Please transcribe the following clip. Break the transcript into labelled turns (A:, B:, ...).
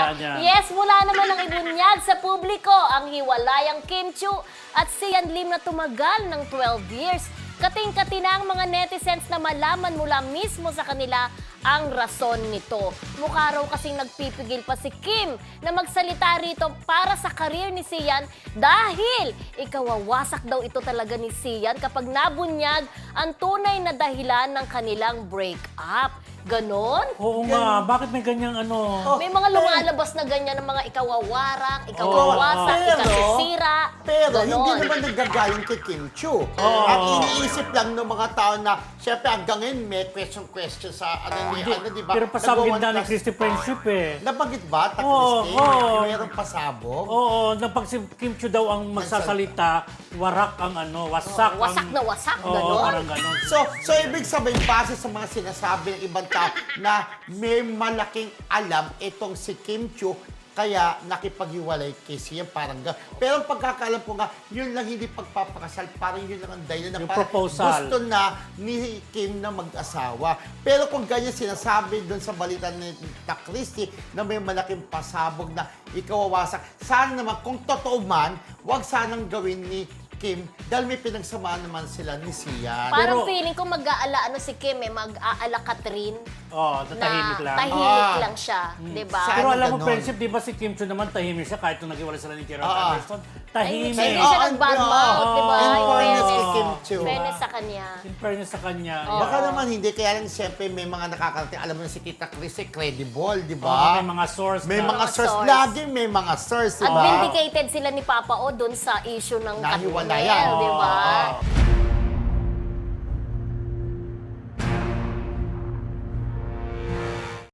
A: niya.
B: Yes, mula naman ang ibunyag sa publiko ang hiwalayang Kim Chiu at Sian Lim na tumagal ng 12 years. Kating-kati na ang mga netizens na malaman mula mismo sa kanila ang rason nito. Mukha raw kasing nagpipigil pa si Kim na magsalita rito para sa karir ni Sian dahil ikawawasak daw ito talaga ni Sian kapag nabunyag ang tunay na dahilan ng kanilang break-up. Ganon?
A: Oo nga, bakit may ganyang ano?
B: May mga lumalabas na ganyan ng mga ikawawarang, ikawawasak, ikasisira.
C: Pero
B: ganon.
C: hindi naman nagagaling kay Kim Chiu. At iniisip lang ng mga tao na, syempre hanggang ngayon may question sa di ba?
A: Pero pasabog na ni
C: Nagawan
A: Christy friendship eh.
C: Nabanggit ba?
A: Oo,
C: Christy?
A: oo.
C: Mayroong pasabog?
A: Oo, na pag si Kim Chiu daw ang magsasalita, warak ang ano, wasak.
B: Wasak na wasak,
A: Oo,
B: ganon.
A: parang ganon.
C: So ibig sabihin, base sa mga sinasabi ng ibang tao na may malaking alam itong si Kim Chiu, kaya nakipaghiwalay kay Sian, parang gano'n. Pero ang pagkakaalam ko nga, yun lang hindi pagpapakasal, parang yun lang ang dahilan na
A: Yung
C: parang
A: proposal.
C: gusto na ni Kim na mag-asawa. Pero kung ganyan sinasabi doon sa balita ni Christy na may malaking pasabog na ikawawasak, sana naman, kung totoo man, wag sanang gawin ni Kim dahil may pinagsamaan naman sila ni Sian.
B: Parang
A: Pero-
B: feeling ko mag-aala si Kim mag-aala Katrin.
A: Oo, natahimik lang.
B: Tahimik lang siya, di ba?
C: Sa-
A: Pero
C: Sana
A: alam mo,
C: ganon.
A: friendship, di ba si Kim Chiu naman tahimik siya kahit nung naghiwalay sila ni Gerald
C: Oo.
A: Anderson?
B: Hindi
A: Tahimik.
B: siya nag-badmouth, di ba?
C: In
B: In
C: fairness kay
B: fairness.
C: Kim Chiu.
B: Fairness sa kanya.
A: In fairness sa kanya.
B: Oo.
C: Baka naman hindi, kaya lang siyempre may mga nakakarating. Alam mo na si Tita Chris credible, di
A: Oo,
C: ba?
A: may mga source
C: May
A: na.
C: mga source.
B: source.
C: Lagi may mga source, di
B: At
C: ba?
B: vindicated sila ni Papa O dun sa issue ng
C: Nahiwalayan.
B: Katrinel, di ba?
C: Oo.